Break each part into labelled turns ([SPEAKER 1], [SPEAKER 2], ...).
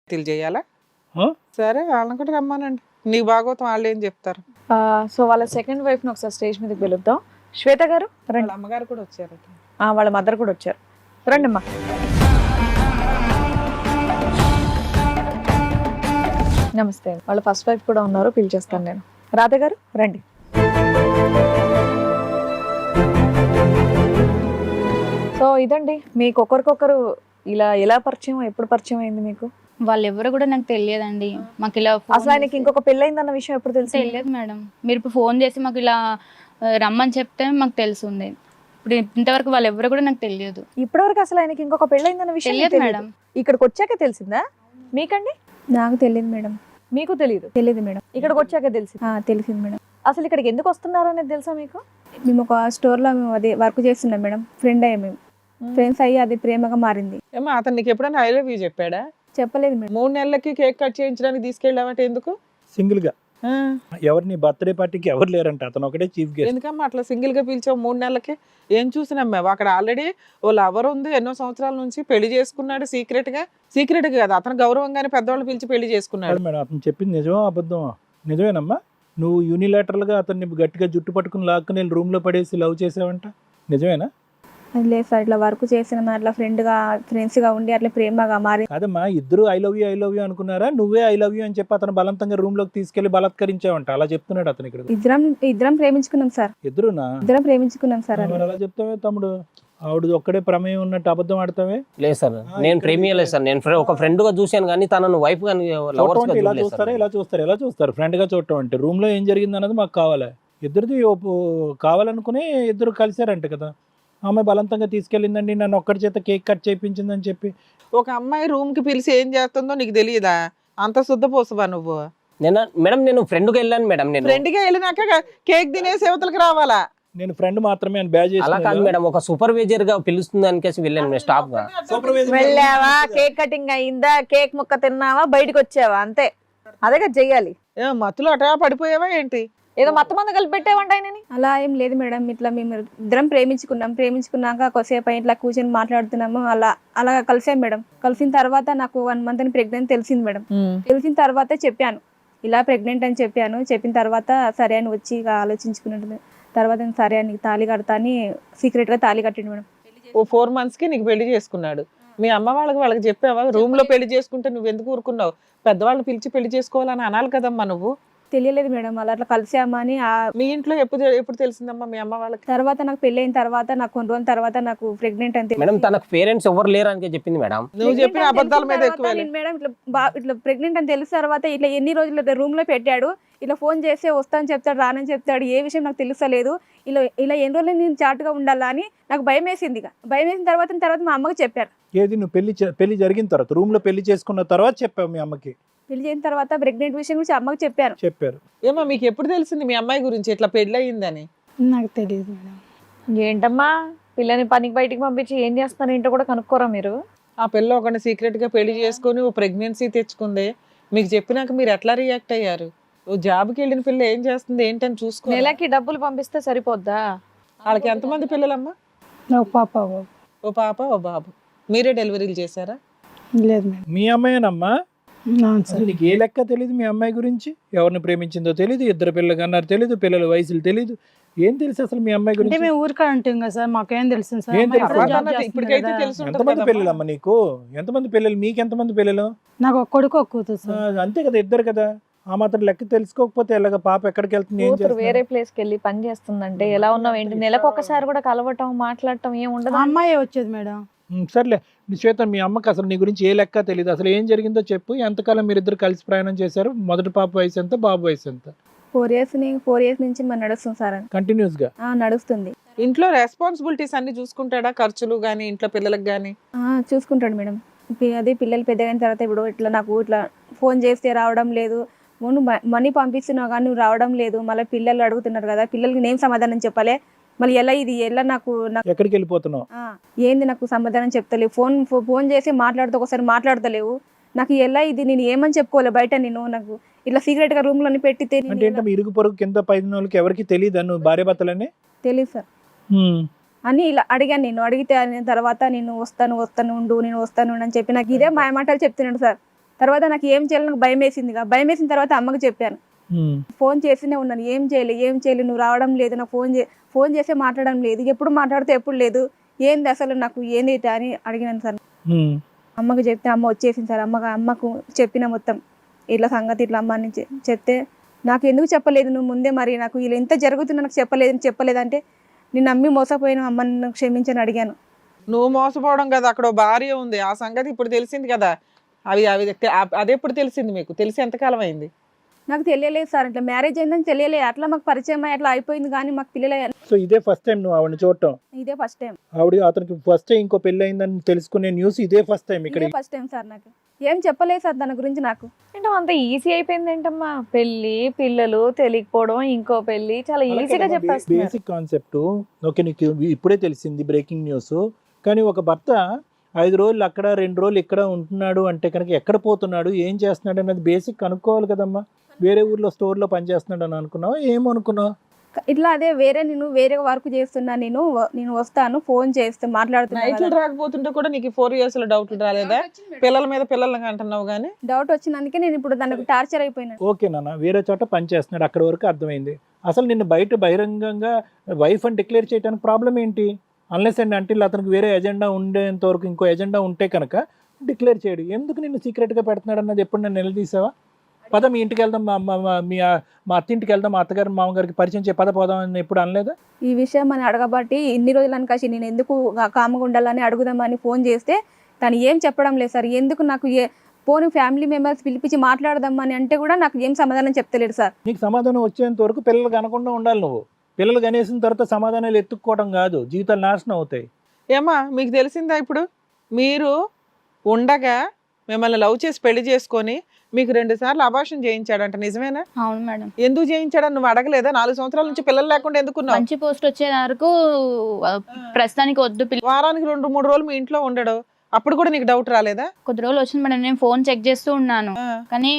[SPEAKER 1] భక్తులు చేయాలా?
[SPEAKER 2] ఆ?
[SPEAKER 1] సరే వాళ్ళని కూడా రమ్మానండి, నీకు భాగవతం వాళ్ళు ఏం చెప్తారు.
[SPEAKER 3] సో వాళ్ళ సెకండ్ వైఫ్ ని ఒకసారి స్టేజ్ మీదకి పిలుద్దాం. శ్వేత గారు
[SPEAKER 1] వాళ్ళ
[SPEAKER 3] రండి.
[SPEAKER 1] అమ్మగారు కూడా వచ్చారు.
[SPEAKER 3] వాళ్ళ మదర్ కూడా వచ్చారు. రండి అమ్మా. నమస్తే. వాళ్ళ ఫస్ట్ వైఫ్ కూడా ఉన్నారు, పిలిచేస్తాను నేను. రాధ గారు రండి. సో ఇదండి మీకు ఒకరికొకరు ఇలా ఎలా పరిచయం, ఎప్పుడు పరిచయం అయింది మీకు?
[SPEAKER 4] వాళ్ళెవరు కూడా నాకు తెలియదండి. మాకు ఇలా
[SPEAKER 3] అసలు ఆయనకి ఇంకొక పెళ్ళయిందన్న విషయం ఎప్పుడు తెలిసి?
[SPEAKER 4] తెలియదు మేడం. మీరు ఇప్పుడు ఫోన్ చేసి మాకు ఇలా రమ్మని చెప్తే మాకు తెలుసుంది. ఇప్పుడు ఇంతవరకు వాళ్ళెవరు కూడా నాకు తెలియదు.
[SPEAKER 3] ఇప్పటివరకు అసలు ఆయనకి ఇంకొక పెళ్ళయిందన్న విషయం
[SPEAKER 4] తెలియదు
[SPEAKER 3] తెలీదు.
[SPEAKER 4] మేడం.
[SPEAKER 3] ఇక్కడికి వచ్చాక తెలిసిందా మీకండి?
[SPEAKER 5] నాకు తెలియదు మేడం.
[SPEAKER 3] మీకు తెలియదు?
[SPEAKER 5] తెలియదు మేడం.
[SPEAKER 3] ఇక్కడికి వచ్చాక తెలిసింది.
[SPEAKER 5] తెలిసింది మేడం.
[SPEAKER 3] అసలు ఇక్కడికి ఎందుకు వస్తున్నారు అనేది తెలుసా మీకు?
[SPEAKER 5] మేము ఒక స్టోర్లో మేము అదే వర్క్ చేస్తున్నాం మేడం. ఫ్రెండ్ అయ్యాం, మేము ఫ్రెండ్స్ అయ్యి అది ప్రేమగా మారింది.
[SPEAKER 1] ఏమో అతను నీకు ఎప్పుడైనా ఐ లవ్ యూ చెప్పాడా?
[SPEAKER 5] చెప్పలేదు మేడం.
[SPEAKER 1] 3 నెలలకి కేక్ కట్ చేయించడానికి తీసుకెళ్ళావంటే ఎందుకు?
[SPEAKER 2] సింగిల్ గా
[SPEAKER 1] ఆ,
[SPEAKER 2] ఎవరిని బర్త్డే పార్టీకి ఎవరు లేరంట, అతను ఒకటే చీఫ్ గెస్ట్.
[SPEAKER 1] ఎందుకమ్మా అట్లా సింగిల్ గా పిలిచావు 3 నెలలకి? ఏం చూసినాం అక్కడ ఆల్రెడీ ఓ లవర్ ఉంది, ఎన్నో సంవత్సరాల నుంచి పెళ్లి చేసుకున్నాడు సీక్రెట్ గా కదా, అతను గౌరవంగానే పెద్దవాళ్ళు పిలిచి పెళ్లి చేసుకున్నాడు.
[SPEAKER 2] మేడం అతను చెప్పింది నిజమా అబద్ధమా? నిజమేనమ్మా. నువ్వు యూనిలాటరల్ గా అతన్ని గట్టిగా జుట్టు పట్టుకుని లాక్కుని రూమ్ లో పడేసి లవ్ చేసావంట, నిజమేనా?
[SPEAKER 5] అది లేదు సార్, ఇట్లా వర్క్ చేసిన అట్లా ఫ్రెండ్స్ గా ఉండి అట్లా ప్రేమగా మారి.
[SPEAKER 2] కాదమ్మా, ఇద్దరు ఐ లవ్ యూ అనుకున్నారా? నువ్వే ఐ లవ్ యూ అని చెప్పి అతను బలవంతంగా రూమ్ లోకి తీసుకెళ్లి బలాత్కరించావంట, అలా చెప్తున్నాడు అతను ఇక్కడ.
[SPEAKER 5] ఇద్దరం ప్రేమించుకున్నాం సార్. ఇద్దరం ప్రేమించుకున్నాం సార్.
[SPEAKER 2] మరి అలా చెప్తావే తమ్ముడు? ఆవిడ ఒక్కడే ప్రమేయం ఉన్నట్టు అబద్ధం ఆడతావే?
[SPEAKER 6] లేదు సార్, నేను ప్రేమియలేదు సార్. నేను ఒక ఫ్రెండ్ గా చూశాను కానీ తనను వైఫ్ గా
[SPEAKER 2] ఇలా చూస్తారు ఫ్రెండ్ గా చూడటం అంటే. రూమ్ లో ఏం జరిగింది అన్నది మాకు కావాలి. ఇద్దరిది కావాలనుకుని ఇద్దరు కలిసారంట కదా. ఆమె బలవంతంగా తీసుకెళ్ళిందండి, నన్ను ఒక్కడి చేత కేక్ కట్ చేయించిందని చెప్పి.
[SPEAKER 1] ఒక అమ్మాయి రూమ్ కి పిలిచి ఏం చేస్తుందో నీకు తెలియదా? అంత శుద్ధపోసవా నువ్వు?
[SPEAKER 6] మేడం నేను ఫ్రెండ్ గా వెళ్ళాను మేడం. నేను
[SPEAKER 1] ఫ్రెండ్ గా వెళ్ళినాక కేక్ తినేసి యువతలకు రావాలా?
[SPEAKER 2] నేను ఫ్రెండ్ మాత్రమే అని బ్యాజ్
[SPEAKER 6] అలా కాదు మేడం, ఒక సూపర్వైజర్ గా పిలుస్తుంది అనికేసి వెళ్ళాను స్టాఫ్ గా.
[SPEAKER 3] వెళ్ళావా, కేక్ కటింగ్ అయిందా, కేక్ ముక్క తిన్నావా, బయటకు వచ్చావా, అంతే. అదే కదా చెయ్యాలి.
[SPEAKER 1] మత్తులో అటా పడిపోయావా ఏంటి?
[SPEAKER 3] ఏదో మొత్తం మంది కలిపి పెట్టావంట ఆయనని.
[SPEAKER 5] అలా ఏం లేదు మేడం. ఇట్లా మేము ఇద్దరం ప్రేమించుకున్నాక కొద్దిసేపు ఇట్లా కూర్చొని మాట్లాడుతున్నాము. అలా కలిసాం మేడం. కలిసిన తర్వాత నాకు 1 month అని ప్రెగ్నెంట్ తెలిసింది మేడం. తెలిసిన తర్వాతే చెప్పాను, ఇలా ప్రెగ్నెంట్ అని చెప్పాను. చెప్పిన తర్వాత సరే అని వచ్చి ఇక ఆలోచించుకున్నట్టు తర్వాత సరే అని తాళి కడతా అని సీక్రెట్ గా తాళి కట్టిండు మేడం.
[SPEAKER 1] ఓ 4 months కి నీకు పెళ్లి చేసుకున్నాడు. మీ అమ్మ వాళ్ళకి చెప్పావా? రూమ్ లో పెళ్లి చేసుకుంటే నువ్వు ఎందుకు ఊరుకున్నావు? పెద్దవాళ్ళని పిలిచి పెళ్లి చేసుకోవాలని అనాలి కదమ్మా నువ్వు.
[SPEAKER 5] తెలియలేదు మేడం, అట్లా కలిసామని.
[SPEAKER 1] మీ ఇంట్లో ఎప్పుడు తెలిసిందమ్మా మీ అమ్మ వాళ్ళకి?
[SPEAKER 5] తర్వాత నాకు పెళ్లి అయిన తర్వాత నాకు కొన్ని రోజుల తర్వాత నాకు ప్రెగ్నెంట్ అని
[SPEAKER 6] మేడం తనకు పేరెంట్స్ ఎవరు లేరు అని చెప్పింది మేడం.
[SPEAKER 1] నువ్వు చెప్పిన అబద్ధాల మీద ఎక్కువ.
[SPEAKER 5] మేడం ఇట్లా ప్రెగ్నెంట్ అని తెలిసిన తర్వాత ఇట్లా ఎన్ని రోజులు రూమ్ లో పెట్టాడు. ఇలా ఫోన్ చేస్తే వస్తానని చెప్తాడు, రానని చెప్తాడు. ఏ విషయం నాకు తెలుస్తలేదు. ఇలా ఎన్ని రోజులు నేను చాటుగా ఉండాలా అని నాకు భయం వేసింది. భయం వేసిన తర్వాత మా అమ్మకి చెప్పారు.
[SPEAKER 2] ఏది నువ్వు పెళ్లి జరిగిన తర్వాత రూమ్ లో పెళ్లి చేసుకున్న తర్వాత చెప్పావు మీ అమ్మకి?
[SPEAKER 5] పెళ్లి చేసిన తర్వాత ప్రెగ్నెంట్ విషయం గురించి అమ్మకి చెప్పారు.
[SPEAKER 1] ఏమో మీకు ఎప్పుడు తెలిసింది మీ అమ్మాయి గురించి ఇట్లా పెళ్లి అయ్యిందని?
[SPEAKER 5] నాకు తెలియదు మేడం.
[SPEAKER 3] ఏంటమ్మా, పిల్లని పనికి బయటికి పంపించి ఏం చేస్తున్నారు ఏంటో కూడా కనుక్కోరా మీరు?
[SPEAKER 1] ఆ పిల్ల ఒకటి సీక్రెట్ గా పెళ్లి చేసుకుని ఓ ప్రెగ్నెన్సీ తెచ్చుకుంది. మీకు చెప్పినాక మీరు ఎట్లా రియాక్ట్ అయ్యారు? ఓ జాబ్కి వెళ్ళిన పిల్ల ఏం చేస్తుంది ఏంటని చూసుకో.
[SPEAKER 3] నెలకి డబ్బులు పంపిస్తే సరిపోద్దా?
[SPEAKER 1] వాళ్ళకి ఎంతమంది పిల్లలమ్మా? ఓ పాప ఓ బాబు. మీరే డెలివరీలు చేశారా?
[SPEAKER 5] లేదు మేడం.
[SPEAKER 2] మీ అమ్మాయినమ్మా? నీకు ఏ లెక్క తెలియదు మీ అమ్మాయి గురించి? ఎవరిని ప్రేమించిందో తెలియదు, ఇద్దరు పిల్లలు అన్నారు తెలియదు, పిల్లల వయసులు తెలియదు, ఏం తెలుసు అసలు మీ అమ్మాయి గురించి?
[SPEAKER 7] మేము ఊరికే అంటాం కదా సార్, మాకేం తెలుసు సార్.
[SPEAKER 2] ఏం తెలుసు?
[SPEAKER 1] ఇప్పటికైతే తెలుసు.
[SPEAKER 2] ఎంతమంది పిల్లలమ్మా నీకు? ఎంతమంది పిల్లలు? మీకు ఎంతమంది పిల్లలు?
[SPEAKER 7] నాకు ఒక కొడుకు ఒక కూతురు సార్.
[SPEAKER 2] అంతే కదా, ఇద్దరు కదా. ఆ మాత్రం లెక్క తెలుసుకోకపోతే ఎలాగ? పాప ఎక్కడికి వెళ్తుంది?
[SPEAKER 3] కూతురు వేరే ప్లేస్ కి వెళ్ళి పని చేస్తుందంటే ఎలా ఉన్నావు ఏంటి? నెలకు ఒకసారి కూడా కలవటం మాట్లాడటం ఏం ఉండదు.
[SPEAKER 7] అమ్మాయి వచ్చేది మేడం.
[SPEAKER 2] సర్లే శ్వేత, మీ అమ్మకి అసలు నీ గురించి ఏ లెక్క తెలియదు. అసలు ఏం జరిగిందో చెప్పు. ఎంతకాలం మీరిద్దరు కలిసి ప్రయాణం చేశారు? మొదటి పాప వయసు ఎంత, బాబు వయసు ఎంత?
[SPEAKER 5] 4 years నుంచి మరి నడుస్తుంది సార్.
[SPEAKER 2] కంటిన్యూస్ గా
[SPEAKER 5] నడుస్తుంది.
[SPEAKER 1] ఇంట్లో రెస్పాన్సిబిలిటీస్ అన్ని చూసుకుంటాడా? ఖర్చులు గానీ ఇంట్లో పిల్లలకు గానీ?
[SPEAKER 5] చూసుకుంటాడు మేడం. అదే పిల్లలు పెద్దగైన తర్వాత ఇప్పుడు ఇట్లా నాకు ఇట్లా ఫోన్ చేస్తే రావడం లేదు, నువ్వు మనీ పంపిస్తున్నావు కానీ నువ్వు రావడం లేదు, మళ్ళీ పిల్లలు అడుగుతున్నారు కదా, పిల్లలకి నేను సమాధానం చెప్పాలి, మళ్ళీ ఎలా నాకు
[SPEAKER 2] ఎక్కడికి వెళ్ళిపోతున్నావు?
[SPEAKER 5] ఏంది నాకు సమాధానం చెప్తలేవు. ఫోన్ చేసి ఒకసారి మాట్లాడతలేవు. నాకు ఎలా ఇది నేను ఏమని చెప్పుకోవాలి బయట? నేను నాకు ఇట్లా సీక్రెట్ గా రూమ్ లోని పెట్టితే
[SPEAKER 2] అంటే ఇరుగు పొరుగు కింద పైన వాళ్ళకి ఎవరికి తెలియదు నువ్వు భార్య భర్తలని?
[SPEAKER 5] తెలియదు సార్ అని ఇలా అడిగాను. నేను అడిగితే తర్వాత నేను వస్తాను ఉండు అని చెప్పి నాకు ఇదే మాయమాటలు చెప్తున్నాడు సార్. తర్వాత నాకు ఏం చేయాలి నాకు భయం వేసింది. భయం వేసిన తర్వాత అమ్మకి చెప్పాను. ఫోన్ చేస్తూనే ఉన్నాను, ఏం చేయలేదు, నువ్వు రావడం లేదు, నాకు ఫోన్ చేస్తే మాట్లాడడం లేదు, ఎప్పుడు మాట్లాడితే ఎప్పుడు లేదు, ఏంది అసలు నాకు ఏంది అని అడిగినాను సార్. అమ్మకి చెప్తే అమ్మ వచ్చేసింది సార్. అమ్మకు చెప్పిన మొత్తం ఇట్లా సంగతి ఇట్లా అమ్మ అని చెప్తే నాకు ఎందుకు చెప్పలేదు నువ్వు ముందే, మరి నాకు ఇలా ఎంత జరుగుతుందో నాకు చెప్పలేదంటే నేను నమ్మి మోసపోయిన అమ్మని నాకు క్షమించని అడిగాను.
[SPEAKER 1] నువ్వు మోసపోవడం కదా, అక్కడ ఓ భార్య ఉంది, ఆ సంగతి ఇప్పుడు తెలిసింది కదా. అదే ఇప్పుడు తెలిసింది మీకు? తెలిసి ఎంతకాలం అయింది?
[SPEAKER 5] నాకు తెలియలేదు సార్, ఇట్లా మ్యారేజ్ అయిందని తెలియలేదు. అట్లా మాకు పరిచయం అట్లా అయిపోయింది కానీ మాకు పిల్లలు.
[SPEAKER 2] సో ఇదే ఫస్ట్ టైం నువ్వు ఆవిడని చూడటం?
[SPEAKER 5] ఇదే ఫస్ట్ టైం.
[SPEAKER 2] అతనికి ఫస్ట్ టైం ఇంకో పెళ్లి అయిందని తెలుసుకునే న్యూస్ ఇదే ఫస్ట్ టైం? ఇక్కడ
[SPEAKER 5] ఫస్ట్ టైం సార్. నాకు ఏం చెప్పలేదు సార్ దాని గురించి. నాకు
[SPEAKER 3] ఏంటో అంత ఈజీ అయిపోయింది ఏంటమ్మా, పెళ్లి పిల్లలు తెలియకపోవడం, ఇంకో పెళ్లి చాలా ఈజీగా చెప్పేస్తున్నారు.
[SPEAKER 2] బేసిక్ కాన్సెప్ట్ ఓకే, నీకు ఇప్పుడే తెలిసింది బ్రేకింగ్ న్యూస్. కానీ ఒక భర్త 5 రోజులు అక్కడ 2 రోజులు ఇక్కడ ఉంటున్నాడు అంటే కనుక ఎక్కడ పోతున్నాడు, ఏం చేస్తున్నాడు అనేది బేసిక్ కనుక్కోవాలి కదమ్మా. వేరే ఊర్లో స్టోర్లో పనిచేస్తున్నాడు అని అనుకున్నావు, ఏమనుకున్నావు?
[SPEAKER 5] ఇట్లా అదే నేను వేరే వర్క్ చేస్తున్నా, నేను వస్తాను, ఫోన్ చేస్తే మాట్లాడుతున్నా.
[SPEAKER 1] నైట్లు రాకపోతుంటే కూడా నీకు 4 years లో డౌట్లు రాలేదా? పిల్లల మీద పిల్లల్ని అంటున్నావు కానీ
[SPEAKER 5] డౌట్ వచ్చినందుకే నేను ఇప్పుడు దానికి టార్చర్ అయిపోయినా.
[SPEAKER 2] ఓకే నాన్న, వేరే చోట పని చేస్తున్నాడు, అక్కడ వరకు అర్థమైంది. అసలు నిన్ను బహిరంగంగా వైఫ్ అని డిక్లేర్ చేయడానికి ప్రాబ్లం ఏంటి? అన్లెస్ అండ్ అంటిల్ అతనికి వేరే ఎజెండా ఉండేంత వరకు, ఇంకో ఎజెండా ఉంటే కనుక డిక్లేర్ చేయడు. ఎందుకు నిన్ను సీక్రెట్గా పెడుతున్నాడు అన్నది ఎప్పుడు నన్ను నిలదీసావా? పద మీ ఇంటికి వెళ్దాం, మా అత్తింటికి వెళ్దాం, మా అత్తగారు మామగారికి పరిచయం చేయ పోదాం అని ఎప్పుడు అనలేదా?
[SPEAKER 5] ఈ విషయం అని అడగబట్టి ఇన్ని రోజులు అనకాసి నేను ఎందుకు కామగా ఉండాలని అడుగుదామని ఫోన్ చేస్తే తను ఏం చెప్పడం లేదు సార్. ఎందుకు నాకు ఫోన్ ఫ్యామిలీ మెంబర్స్ పిలిపించి మాట్లాడదామని అంటే కూడా నాకు ఏం సమాధానం చెప్తలేడు సార్.
[SPEAKER 2] నీకు సమాధానం వచ్చేంత వరకు పిల్లలు కనకుండా ఉండాలి నువ్వు. పిల్లలు కనేసిన తర్వాత సమాధానాలు ఎత్తుక్కోవడం కాదు, జీవితాలు నాశనం అవుతాయి.
[SPEAKER 1] ఏమా మీకు తెలిసిందా? ఇప్పుడు మీరు ఉండగా మిమ్మల్ని లవ్ చేసి పెళ్లి చేసుకొని మీకు 2 సార్లు అబార్షన్ చేయించాడంట, నిజమేనా?
[SPEAKER 4] అవును మేడం.
[SPEAKER 1] ఎందుకు చేయించాడని నువ్వు అడగలేదా? 4 సంవత్సరాల నుంచి పిల్లలు లేకుండా ఎందుకున్నావు?
[SPEAKER 4] మంచి పోస్ట్ వచ్చే వరకు ప్రస్తుతానికి వద్దు,
[SPEAKER 1] వారానికి 2-3 రోజులు మీ ఇంట్లో ఉండడు, అప్పుడు కూడా నీకు డౌట్ రాలేదా?
[SPEAKER 4] కొద్ది రోజులు వచ్చింది మేడం. నేను ఫోన్ చెక్ చేస్తూ ఉన్నాను కానీ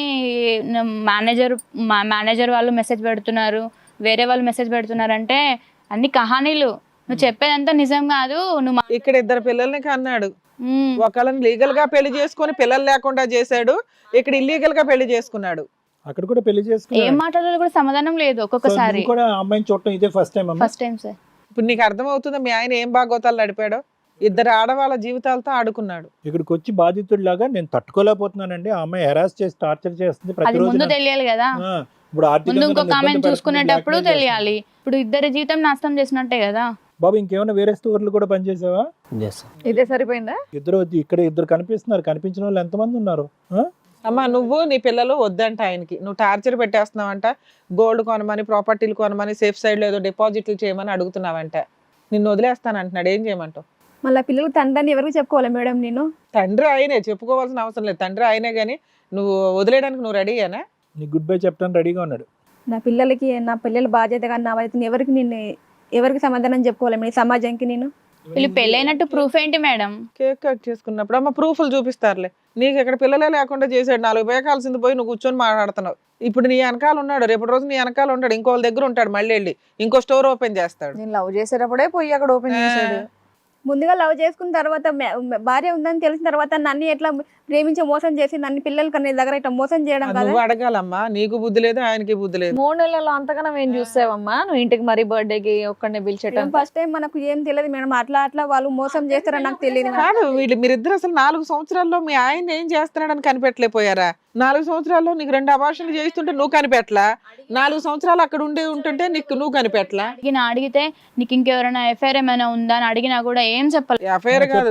[SPEAKER 4] మేనేజర్ వాళ్ళు మెసేజ్ పెడుతున్నారు, వేరే వాళ్ళు మెసేజ్ పెడుతున్నారు. అంటే అన్ని కహానీలు, నువ్వు చెప్పేదంతా నిజం కాదు. నువ్వు
[SPEAKER 1] ఇక్కడ 2 పిల్లల్ని కన్నాడు, ఒకళ్ళని లీగల్ గా పెళ్లి చేసుకొని పిల్లలు లేకుండా చేశాడు, ఇక్కడ ఇల్లీగల్ గా పెళ్లి చేసుకున్నాడు.
[SPEAKER 2] అక్కడ కూడా పెళ్లి
[SPEAKER 4] ఏం
[SPEAKER 2] చేసుకున్నాడు.
[SPEAKER 4] మాట్లాడాలో కూడా సమాధానం లేదు ఒక్కొక్కసారి.
[SPEAKER 2] నువ్వు కూడా అమ్మాయిని చూడటం ఇదే first time?
[SPEAKER 4] First time sir.
[SPEAKER 1] ఇప్పుడు నీకు అర్థమవుతుందా మీ ఆయన ఏం బాగోతాలు నడిపాడో? 2 ఆడవాళ్ళ జీవితాలతో ఆడుకున్నాడు.
[SPEAKER 2] ఇక్కడికి వచ్చి బాధితుడిలాగా నేను తట్టుకోలేకపోతున్నానండి, ఆ అమ్మాయి హెరాస్ చేసి టార్చర్ చేస్తుంది
[SPEAKER 4] అది
[SPEAKER 2] ప్రతిరోజు.
[SPEAKER 4] ముందు తెలియాలి కదా,
[SPEAKER 2] ఇప్పుడు
[SPEAKER 4] ముందు ఇంకొక ఆమెను చూసుకునేటప్పుడు తెలియాలి. ఇప్పుడు ఇద్దరి జీవితం నాశనం చేసినట్టే కదా.
[SPEAKER 2] బాబు ఇంకేమైనా వేరే స్టోర్లు కూడా పనిచేసావా?
[SPEAKER 3] ఇదే సరిపోయిందా?
[SPEAKER 2] ఇక్కడ 2 కనిపిస్తున్నారు, కనిపించిన వాళ్ళు ఎంతమంది ఉన్నారు?
[SPEAKER 1] అమ్మా నువ్వు నీ పిల్లలు వద్దంట ఆయనకి, నువ్వు టార్చర్ పెట్టేస్తున్నావంట, గోల్డ్ కొనమని, ప్రాపర్టీలు కొనమని, సేఫ్ సైడ్ లో ఏదో డిపాజిట్లు చేయమని అడుగుతున్నావంట, నిన్ను వదిలేస్తానంటున్నాడు. ఏం చేయమంటావు?
[SPEAKER 5] మళ్ళీ పిల్లలు తండ్రి ఎవరికి చెప్పుకోవాలి మేడం? నేను
[SPEAKER 1] తండ్రి ఆయనే, చెప్పుకోవాల్సిన అవసరం లేదు, తండ్రి ఆయనే. కానీ నువ్వు వదిలేయడానికి నువ్వు రెడీయేనా?
[SPEAKER 2] నీ గుడ్ బై చెప్పడానికి రెడీగా ఉన్నాడు.
[SPEAKER 5] నా పిల్లల బాధ్యత కానీ నా బాధ్యత ఎవరికి సమాధానం చెప్పుకోవాలి మేడం? సమాజానికి నేను
[SPEAKER 4] వీళ్ళు పెళ్ళైనట్టు ప్రూఫ్ ఏంటి మేడం?
[SPEAKER 1] కేక్ కట్ చేసుకున్నప్పుడు అమ్మ ప్రూఫ్లు చూపిస్తారులే. నీకు ఎక్కడ పిల్లలే లేకుండా చేసాడు, 4 పేకాల్సింది పోయి నువ్వు కూర్చొని మాట్లాడుతున్నావు. ఇప్పుడు నీ వెనకాల ఉన్నాడు, రేపటి రోజు నీ వెనకాల ఉంటాడు, ఇంకో వాళ్ళ దగ్గర ఉంటాడు, మళ్ళీ వెళ్ళి ఇంకో స్టోర్ ఓపెన్ చేస్తాడు.
[SPEAKER 3] నేను లవ్ చేసేటప్పుడే పోయి అక్కడ ఓపెన్ చేశాడు.
[SPEAKER 5] ముందుగా లవ్ చేసుకున్న తర్వాత భార్య ఉందని తెలిసిన తర్వాత నన్ను ఎట్లా ప్రేమించి మోసం చేసి నన్ను పిల్లలు కన్నా దగ్గర ఇట్లా మోసం చేయడం కదా.
[SPEAKER 1] నువ్వు అడగాలమ్మా, నీకు బుద్ధి లేదు, ఆయనకి బుద్ధి లేదు.
[SPEAKER 3] 3 నెలల్లో అంతకన్నా ఏం చూసావమ్మా నువ్వు? ఇంటికి మరీ బర్త్డేకి ఒక్కడనే పిలిచేటం.
[SPEAKER 5] ఫస్ట్ టైం మనకు ఏం తెలియదు మేడం, అట్లా వాళ్ళు మోసం చేస్తారని నాకు తెలియదు.
[SPEAKER 1] కాదు, మీరిద్దరు అసలు 4 సంవత్సరాల్లో మీ ఆయన ఏం చేస్తున్నాడని కనిపెట్టలేకపోయారా? 4 సంవత్సరాల్లో నీకు 2 అబార్షన్లు చేయిస్తుంటే నువ్వు కనిపెట్టలా, 4 సంవత్సరాలు అక్కడ ఉంటుంటే నువ్వు కనిపెట్టలా.
[SPEAKER 4] అడిగితే నీకు ఇంకెవరైనా ఎఫ్ఐఆర్ ఏమైనా ఉందా అని అడిగినా కూడా ఏం చెప్పాలి.
[SPEAKER 1] అఫైర్ కాదు,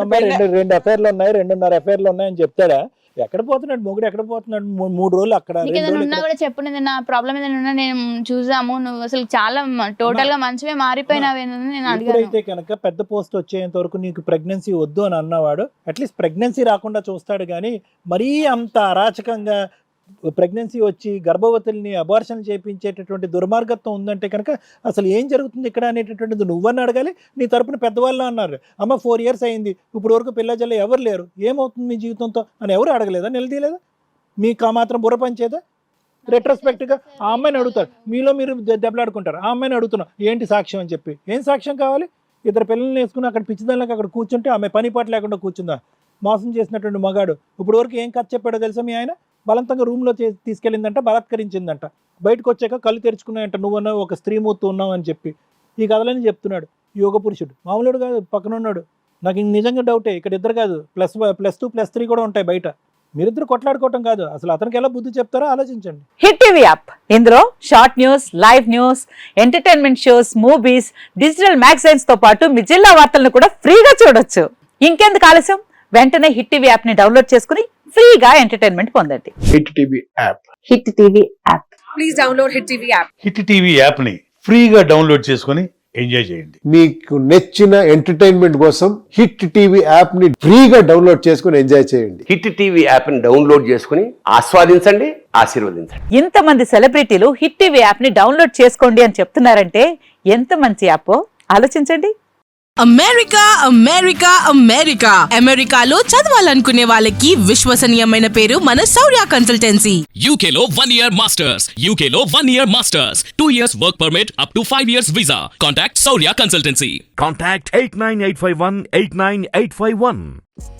[SPEAKER 2] 2 అఫైర్లు ఉన్నాయి, 2.5 అఫైర్లు ఉన్నాయని చెప్తాడా? ఎక్కడ పోతున్నాడు మొగుడు? ఎక్కడ పోతున్నాడు? 3 రోజులు అక్కడ,
[SPEAKER 4] ఏదైనా ఉన్నా కూడా చెప్పు, నా ప్రాబ్లం ఏదైనా ఉన్నా నేను చూసాము, నువ్వు అసలు చాలా టోటల్ గా మంచివే మారిపోయినావేనని నేను అడిగాను.
[SPEAKER 2] అయితే కనుక పెద్ద పోస్ట్ వచ్చేంత వరకు నీకు ప్రెగ్నెన్సీ వద్దు అని అన్నవాడు అట్లీస్ట్ ప్రెగ్నెన్సీ రాకుండా చూస్తాడు. కానీ మరీ అంత అరాచకంగా ప్రెగ్నెన్సీ వచ్చి గర్భవతుల్ని అబార్షన్ చేయించేటటువంటి దుర్మార్గత్వం ఉందంటే కనుక అసలు ఏం జరుగుతుంది ఇక్కడ అనేటటువంటిది నువ్వని అడగాలి. నీ తరపున పెద్దవాళ్ళు అన్నారు, అమ్మ 4 years అయింది, ఇప్పుడు వరకు పిల్లజల్లు ఎవరు లేరు, ఏమవుతుంది మీ జీవితంతో అని ఎవరు అడగలేదా? నిలదీయలేదా? మీకు ఆ మాత్రం బుర్ర పంచేదా? రెట్రోస్పెక్ట్గా ఆ అమ్మాయిని అడుగుతారు, మీలో మీరు దెబ్బలాడుకుంటారు. ఆ అమ్మాయిని అడుగుతున్నాం ఏంటి సాక్ష్యం అని చెప్పి. ఏం సాక్ష్యం కావాలి? 2 పిల్లల్ని వేసుకుని అక్కడ పిచ్చిదానికి అక్కడ కూర్చుంటే ఆమె పని పాట లేకుండా కూర్చుందా? మోసం చేసినటువంటి మగాడు ఇప్పుడు వరకు ఏం కథ చెప్పాడో తెలుసా మీ ఆయన? బలవంతంగా రూమ్లో తీసుకెళ్ళిందంట, బలాత్కరించిందంట, బయటకు వచ్చాక కళ్ళు తెరుచుకున్నాయంట, నువ్వన్నా ఒక స్త్రీమూర్తి ఉన్నావు అని చెప్పి ఈ కథలని చెప్తున్నాడు. యోగ పురుషుడు మామూలుడు కాదు, పక్కన ఉన్నాడు. నాకు నిజంగా డౌటే, ఇక్కడ ఇద్దరు కాదు, +2+3 కూడా ఉంటాయి బయట. మీరిద్దరు కొట్లాడుకోవటం కాదు, అసలు అతనికి ఎలా బుద్ధి చెప్తారో ఆలోచించండి.
[SPEAKER 8] హిట్ టీవీ యాప్ ఇందులో short news, live news, entertainment shows, movies, digital magazines తో పాటు మీ జిల్లా వార్తలను కూడా ఫ్రీగా చూడొచ్చు. ఇంకెందుకు ఆలస్యం, వెంటనే హిట్ టీవీ యాప్ ని డౌన్లోడ్ చేసుకుని ఫ్రీగా ఎంటర్టైన్మెంట్ పొందండి.
[SPEAKER 9] Hit TV app.
[SPEAKER 8] Hit TV app.
[SPEAKER 10] Please download hit TV app.
[SPEAKER 11] Hit TV app ని ఫ్రీగా డౌన్లోడ్ చేసుకుని ఎంజాయ్ చేయండి.
[SPEAKER 9] మీకు నచ్చిన ఎంటర్టైన్మెంట్ కోసం హిట్ టీవీ యాప్ ని ఫ్రీగా డౌన్లోడ్ చేసుకుని ఎంజాయ్ చేయండి.
[SPEAKER 12] హిట్ టీవీ యాప్ ని డౌన్లోడ్ చేసుకుని ఆస్వాదించండి, ఆశీర్వదించండి.
[SPEAKER 8] ఇంతమంది సెలబ్రిటీలు హిట్ టీవీ యాప్ ని డౌన్లోడ్ చేసుకోండి అని చెప్తున్నారంటే ఎంత మంచి యాప్ ఆలోచించండి.
[SPEAKER 10] అమెరికా అమెరికా అమెరికా అమెరికాలో చదవాలనుకునే వాళ్ళకి విశ్వసనీయమైన పేరు మన శౌర్య కన్సల్టెన్సీ.
[SPEAKER 13] UK లో 1 year masters, UK లో 1 year masters, 2 years work permit up to 5 years visa. Contact Saurya Consultancy.
[SPEAKER 14] Contact 89851 89851.